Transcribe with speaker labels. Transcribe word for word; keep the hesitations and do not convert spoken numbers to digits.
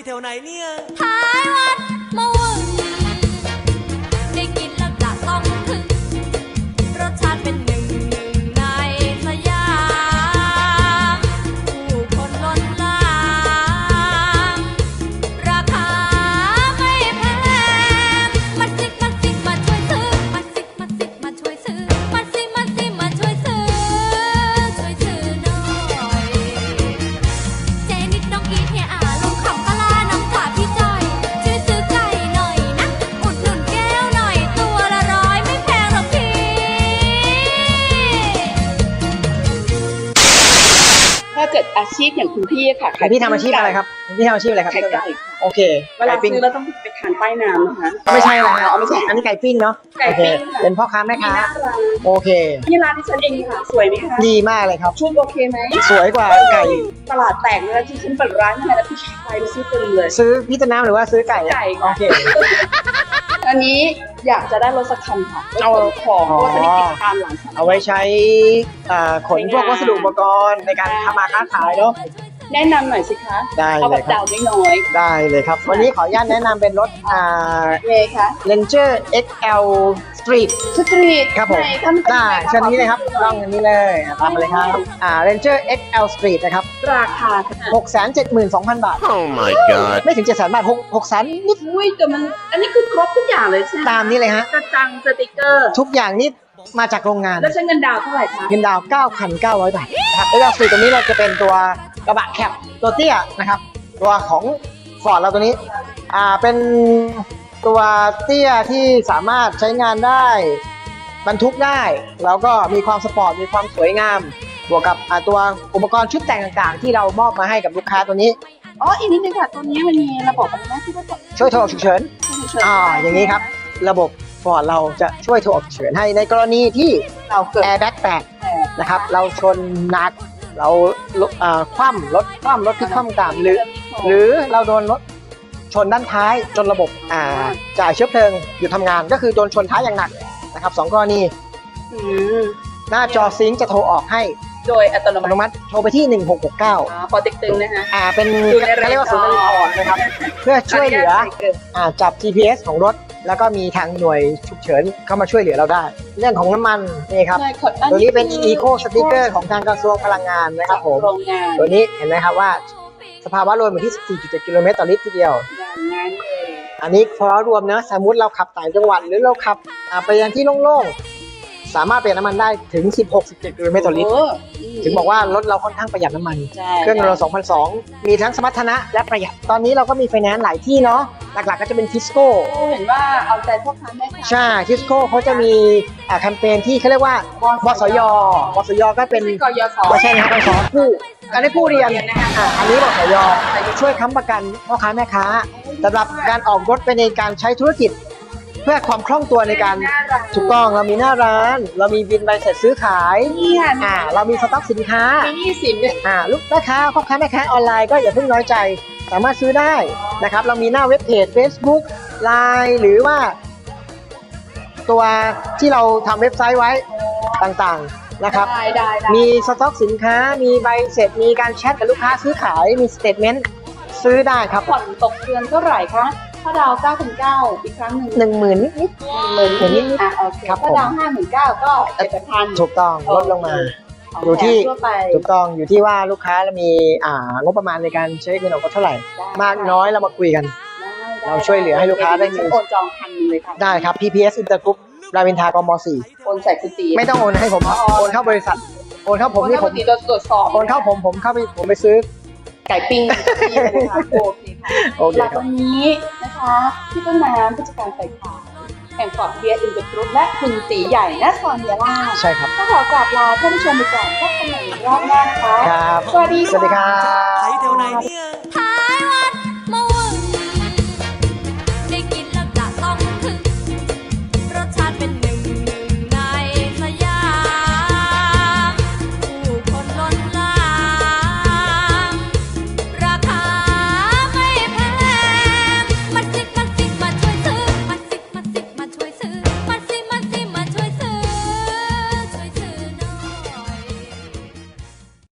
Speaker 1: ถวไหนเนี่ย
Speaker 2: ท้ายวัดมะวึงได้กินแล้วจะต้องถึงรสชาติเป็นหนึ่งหนึ่งในสยามผู้คนล้นหลามราคาไม่แพงมาสิมาสิมาช่วยซื้อมาสิมาสิมาช่วยซื้อมาสิมาสิมาช่วยซื้อช่วยซื้อหน่อยเจนิดน้องอีเทียอาลุงคำปลาน้องจ่าพี่จอยช่วยซื้อไก่หน่อยนะอุดหนุนแก้วหน่อยตัวละร้อยไม่แพงหรอกพี่
Speaker 3: ถ้าเกิดอาชีพอย่างคุณพี่ค่ะ
Speaker 4: แต่พี่ทำอาชีพอะไรครับพี่ทำอาชีพอะไรครับ
Speaker 3: ไข่ไก่
Speaker 4: โอเค
Speaker 3: เวลา
Speaker 4: ไก่ปิ้ง
Speaker 3: ซื้อเราต้องไปทานใต้น้ำนะคะ
Speaker 4: ไม่ใช่นะ
Speaker 3: อ๋อไม่ใช่
Speaker 4: อันนี้ไก่ปิ้งเนาะ
Speaker 3: ไก่
Speaker 4: โอเค
Speaker 3: ปิ้งค่ะ
Speaker 4: เป็นพ่อค้าแม่ค้า
Speaker 3: ที่หน้าร้าน
Speaker 4: โอเค
Speaker 3: ที่ร้านที่ฉันเองค่ะสวยไหมคะ
Speaker 4: ดีมากเลยครับ
Speaker 3: ชุดโอเคไหม
Speaker 4: สวยกว่าไก่
Speaker 3: ตลาดแตกเลยนะที่ฉันเปิดร้านทำไมแล้วพี่ชายไปซื้อเต็มเลย
Speaker 4: ซื้อพี่ต้นน้ำหรือว่าซื้อไก่อะ
Speaker 3: ไก่
Speaker 4: โอเค
Speaker 3: อันนี้อยากจะได้รถสักคันค่ะรถ
Speaker 4: เอา
Speaker 3: ขนของเพราะว่าจะมีกิจการหลัง
Speaker 4: เอาไว้ใช้อ่าขนพวกวัสดุอุปกรณ์ในการทำมาค้าขายเนาะ
Speaker 3: แนะนำหน่อยสิคะ
Speaker 4: ได้
Speaker 3: เอา
Speaker 4: เล
Speaker 3: แบ
Speaker 4: ย
Speaker 3: บ
Speaker 4: ครั
Speaker 3: ดา
Speaker 4: บ
Speaker 3: วน้อย
Speaker 4: ได้เลยครับ วันนี้ขออนุญาตแนะนำเป็นรถอ่า
Speaker 3: ๆเมย์คะ
Speaker 4: Ranger เอ็กซ์ แอล Street
Speaker 3: สตรีท
Speaker 4: ครับผม
Speaker 3: ไหนคะมันเป็น
Speaker 4: ได้
Speaker 3: ยังไงะ
Speaker 4: เชิญนี้เลยครับกล้องอันนี้เลยอ่ะตามมาเลยครับอ่า Ranger เอ็กซ์ แอล Street นะครับ
Speaker 3: ราคาค่ะ
Speaker 4: หกแสนเจ็ดหมื่นสองพัน บาท
Speaker 1: Oh my god
Speaker 4: ไม่ถึง เจ็ดแสน บาท6 6แสนนิด
Speaker 3: อุ้ยแต่มันอันนี้คือครบทุกอย่างเลยใช่ไหม
Speaker 4: ตามนี้เลยฮะ
Speaker 3: กระจังสติกเกอร์
Speaker 4: ทุกอย่างนี่มาจากโรงงาน
Speaker 3: แล้วใช้เงินดาวน์เท่าไหร่คะ
Speaker 4: เงินดาวน์ เก้าพันเก้าร้อย บาทนะครับแล้วก็ตัวนี้เราจะเป็นตัวกระบะแคปตัวเตี้ยนะครับ ตัวของ Ford เราตัวนี้อ่าเป็นตัวเตี้ยที่สามารถใช้งานได้บรรทุกได้แล้วก็มีความสปอร์ตมีความสวยงาม บวกกับอ่าตัวอุปกรณ์ชุดแต่งต่างๆ ที่เรามอบมาให้กับลูกค้าตัวนี้
Speaker 3: อ๋ออีกนิดนึงค่ะตัวนี้มันมีระบบอะไรนะที่ว่าจะ
Speaker 4: ช่วยโทรออกฉุกเฉิน อ่าอย่างนี้ครับ ระบบ Ford เราจะช่วยโทรออกฉุกเฉินให้ในกรณีที่
Speaker 3: เราเกิด
Speaker 4: แอร์แบ็กแตกนะครับเราชนหนักเราเอ่อคว่ำรถคว่ำรถที่คว่ำตามหรือ หรือเราโดนรถชนด้านท้ายจนระบบอ่าจ่ายเชื้อเพลิงหยุดทำงานก็คือโดนชนท้ายอย่างหนักนะครับสองกรณี
Speaker 3: อืม
Speaker 4: หน้าจอซิงค์จะโทรออกให้
Speaker 3: โดยอัตโน
Speaker 4: อัตโน
Speaker 3: มั
Speaker 4: มั
Speaker 3: ติ
Speaker 4: ติโทรไปที่หนึ่งหกหกเก้า
Speaker 3: อ๋อปอติ๊กตึงนะคะ
Speaker 4: อ่าเป็น
Speaker 3: อยู่ในเรนจ์
Speaker 4: เขาเรียกว่าศูนย์บริการนะครับเพื่อช่วยเหลือ อ่าจับ จี พี เอส ของรถ แล้วก็มีทางหน่วยฉุกเฉินเข้ามาช่วยเหลือเราได้ เรื่องของน้ำมันนี่ครับ
Speaker 3: ใช่ขออั
Speaker 4: ตัวนี้เป็น Eco Sticker ของทางกระทรวงพลังงานนะครับผม
Speaker 3: โรงงาน
Speaker 4: ตัวนี้เห็นไหมครับว่าสภาวะรวมอยู่ที่ สิบสี่จุดเจ็ด กิโลเมตรต่อลิตรทีเดียว
Speaker 3: อย่างนั้นเลย
Speaker 4: อันนี้พอรวมนะสมมุติเราขับต่างจังหวัดหรือเราขับอ่าไปยังที่โล่งๆสามารถเปลี่ยนน้ำมันได้ถึง สิบหก สิบเจ็ด กิโลเมตรต่อลิตร
Speaker 3: โอ้
Speaker 4: ถึงบอกว่ารถเราค่อนข้างประหยัดน้ำมัน
Speaker 3: ใช่
Speaker 4: เครื่องเราสองพันสอง มีทั้งสมรรถนะและประหยัด ตอนนี้เราก็มีไฟแนนซ์หลายที่เนาะ หลักๆก็จะเป็นทิสโก้
Speaker 3: โอ้เห็นว่าเอาใจพ่อค้าแม่ค้า
Speaker 4: ใช่ทิสโก้เขาจะมีอ่าแคมเปญที่เขาเรียกว่าบสยบสยก็เป็น
Speaker 3: กยศ
Speaker 4: ไม่ใช่นะครับเป็นสอนกู้การได้กู้เรียนอ่าอันนี้บสยช่วยค้ำประกันพ่อค้าแม่ค้าสำหรับการออกรถไปในการใช้ธุรกิจ เพื่อความคล่องตัวในการถูกต้องเรามีหน้าร้าน เรามีบินใบเสร็จซื้อขาย
Speaker 3: เนี่ย
Speaker 4: อ่าเรามีสต็อกสินค้า
Speaker 3: มีหนี้สินเนี่ย
Speaker 4: อ่าลูกแม่ค้าพ่อค้าแม่ค้าออนไลน์ก็อย่าเพิ่งน้อยใจ สามารถซื้อได้นะครับ เรามีหน้าเว็บเพจ Facebook ไลน์ หรือว่า ตัวที่เราทำเว็บไซต์ไว้ต่างๆนะครับ
Speaker 3: ได้ได้ได้
Speaker 4: มีสต็อกสินค้า มีใบเสร็จ มีการแชทกับลูกค้าซื้อขาย มีสเตทเมนต์ซื้อได้ครับ
Speaker 3: ผ่อนตกเดือนเท่าไหร่คะถ้าดาวเก้าพันเก้าอีกครั้งหนึ่ง
Speaker 4: หนึ่งหมื่นนิด
Speaker 3: หมื่น
Speaker 4: หมื่นนิดๆ
Speaker 3: อ่ะโอเค
Speaker 4: ครับ
Speaker 3: ถ้า
Speaker 4: ผม
Speaker 3: ดาวห้าหมื่นเก้าก็เจ็ดพัน
Speaker 4: ๆถูกต้องลดลงมา อยู่ที่
Speaker 3: ทั่วไป
Speaker 4: ถูกต้องอยู่ที่ว่าลูกค้ามีอ่างบประมาณในการใช้เงินออกก็เท่าไหร่ มากน้อยเรามาคุยกัน
Speaker 3: ได้
Speaker 4: เราช่วยเหลือให้ลูกค้าได้มี
Speaker 3: โอนจองพันหนึ่งเลยค่ะ
Speaker 4: ได้ครับ พี พี เอส Intergroup รามอินทรากม สี่
Speaker 3: โอนใส่กุฏิ
Speaker 4: ไม่ต้องโอนให้ผมครับโอนเข้าบริษัท โอนเข้าผมนี่ผม
Speaker 3: โอนเข้ากุฏิตรวจสอบ
Speaker 4: โอนเข้าผมผมเข้าไปผมไปซื้อ
Speaker 3: ไก่ปิ้งที่นะคะโอเคค่ะ
Speaker 4: โอเค
Speaker 3: หลัง
Speaker 4: ครับ
Speaker 3: วันนี้นะคะพี่ต้นน้ำผู้จัดการฝ่ายขายแห่งฟอร์ดเบียร์อินเตอร์กรุ๊ปและคุณตีใหญ่นครยาลา
Speaker 4: ใช่ครับ
Speaker 3: ก็ขอกราบลาท่านผู้ชมไปก่อนพบกันใหม่ในรอบหน้านะคะ
Speaker 4: ครับ
Speaker 3: สวัสดีค่ะ
Speaker 4: สวัสดีครับ
Speaker 1: ไถแถวไหนเนี่ย